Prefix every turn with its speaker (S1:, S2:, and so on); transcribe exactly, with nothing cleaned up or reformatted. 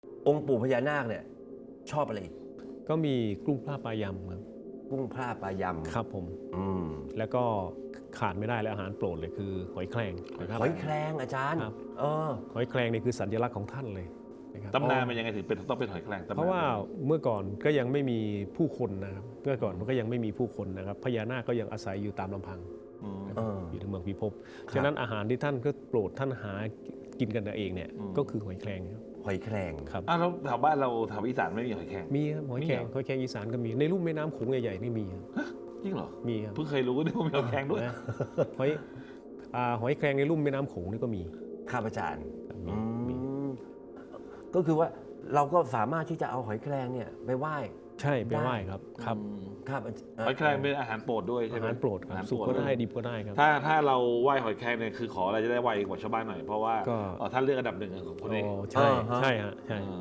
S1: องค์ปู่พญานาคเนี่ยชอบอะไรอีก
S2: ก็มีกุ้งปลาปลายำครับ
S1: กุ้งพร่าปลายำ
S2: ครับผม
S1: อืม
S2: แล้วก็ขาดไม่ได้เลยอาหารโปรดเลยคือหอยแครงนะครับ
S1: หอยแครงอาจารย์
S2: ครับ
S1: เออ
S2: หอยแครงนี่คือสัญลักษณ์ของท่านเลยนะครับ
S3: ตำนานมันยังไงถึงเป็นต้องเป็นหอยแครงตำนน
S2: เพราะว่าเมื่อก่อนก็ยังไม่มีผู้คนนะครับเมื่อก่อนมันก็ยังไม่มีผู้คนนะครับพญานาคก็ยังอาศัยอยู่ตามลำพัง
S3: อืม
S1: เออ
S2: อยู่ในเมืองพิภพ
S1: ครับ
S2: ฉะนั้นอาหารที่ท่านก็โปรดท่านหากินกันเองเนี่ย
S3: อืม
S2: ก็คือหอยแครงครับ
S1: หอยแครง
S2: ครับ
S3: อ้าวแล้วแถวบ้านเราแถวอีสานไม่มีหอยแครง
S2: มีครับหอยแครง
S3: มีเหรอ
S2: หอยแครงอีสานก็มีในลุ่มแม่น้ำโขงใหญ่ๆนี่มีครับ
S3: จริงเหรอ
S2: มีครับ
S3: เพิ่งเคยรู้ว่ามีหอยแครงด้วย
S2: นะหอยอ่าหอยแครงในลุ่มแม่น้ำโขงนี่ก็มี
S1: ครับอาจารย์
S2: ครับ
S1: อื
S2: มีมี
S1: มก็คือว่าเราก็สามารถที่จะเอาหอยแครงเนี่ยไปไหว้
S2: ใช่ไปไหว้ครับครับ
S3: อืม
S1: ครับเ
S3: หอยแครงเป็นอาหารโปรดด้วยใช่
S2: อา
S3: ไหม
S2: หารโปรดค
S3: อา
S2: รั
S3: หาร
S2: บสุก
S3: โปร
S2: ก็
S3: ด
S2: ได้ดิบก็ได้ครับ
S3: ถ้าถ้าเราไหว้หอยแครงเนี่ยคือขออะไรจะได้ไวกว่าชาวบ้านหน่อยเพราะว่า
S2: ก็
S3: เอ่อท่านเลือกอันดับหนึ่งของคนเอง
S2: อ๋อใช่ใช่ฮะใช่
S3: เออ